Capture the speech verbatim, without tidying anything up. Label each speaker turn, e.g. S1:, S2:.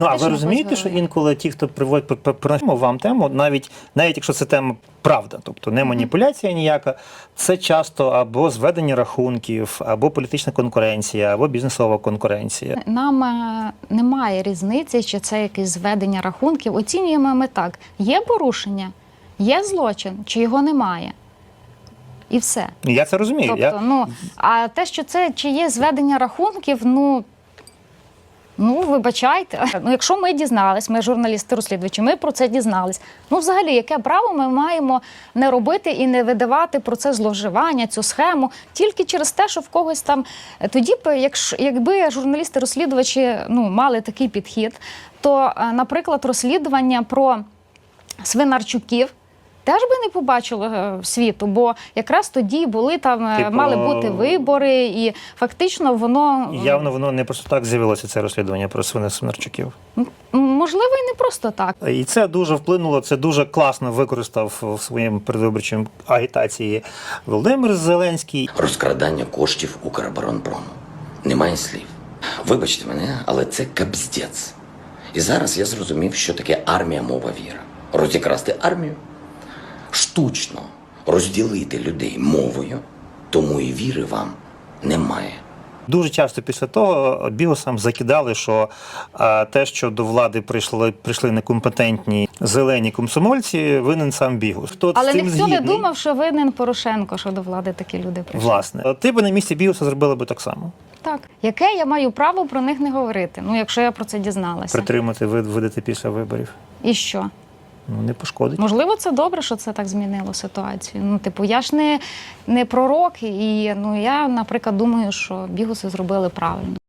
S1: Ну, а ви розумієте, що інколи ті, хто приводить приносять вам тему, навіть, навіть якщо це тема правда, тобто не маніпуляція ніяка, це часто або зведення рахунків, або політична конкуренція, або бізнесова конкуренція.
S2: Нам е, немає різниці, чи це якесь зведення рахунків. Оцінюємо ми так. Є порушення, є злочин, чи його немає. І все.
S1: Я це розумію.
S2: Тобто,
S1: Я...
S2: ну, а те, що це чи є зведення рахунків, ну, ну, вибачайте. Ну, якщо ми дізнались, ми журналісти-розслідувачі, ми про це дізнались. Ну, взагалі, яке право ми маємо не робити і не видавати про це зловживання, цю схему, тільки через те, що в когось там... Тоді, якщо, якби журналісти-розслідувачі ну, мали такий підхід, то, наприклад, розслідування про Свинарчуків теж би не побачили світу, бо якраз тоді були там,
S1: типу,
S2: мали бути вибори, і фактично воно...
S1: Явно воно не просто так з'явилося, це розслідування про Свинарчуків.
S2: Можливо, і не просто так.
S1: І це дуже вплинуло, це дуже класно використав в своєму передвиборчому агітації Володимир Зеленський.
S3: Розкрадання коштів Укроборонпрому. Немає слів. Вибачте мене, але це кабздець. І зараз я зрозумів, що таке армія, мова, віра. Розікрасти армію, штучно розділити людей мовою, тому і віри вам немає.
S1: Дуже часто після того бігусам закидали, що а, те, що до влади прийшли, прийшли некомпетентні зелені комсомольці, винен сам бігус. Хто
S2: Але
S1: з цим
S2: ніхто
S1: згідний?
S2: не думав, що винен Порошенко, що до влади такі люди прийшли.
S1: Власне. Ти би на місці бігуса зробила би так само.
S2: Так. Яке я маю право про них не говорити, ну, якщо я про це дізналася?
S1: Притримати, видати після виборів.
S2: І що?
S1: Ну, не пошкодить.
S2: Можливо, це добре, що це так змінило ситуацію. Ну, типу, я ж не, не пророк, і ну, я, наприклад, думаю, що бігуси зробили правильно.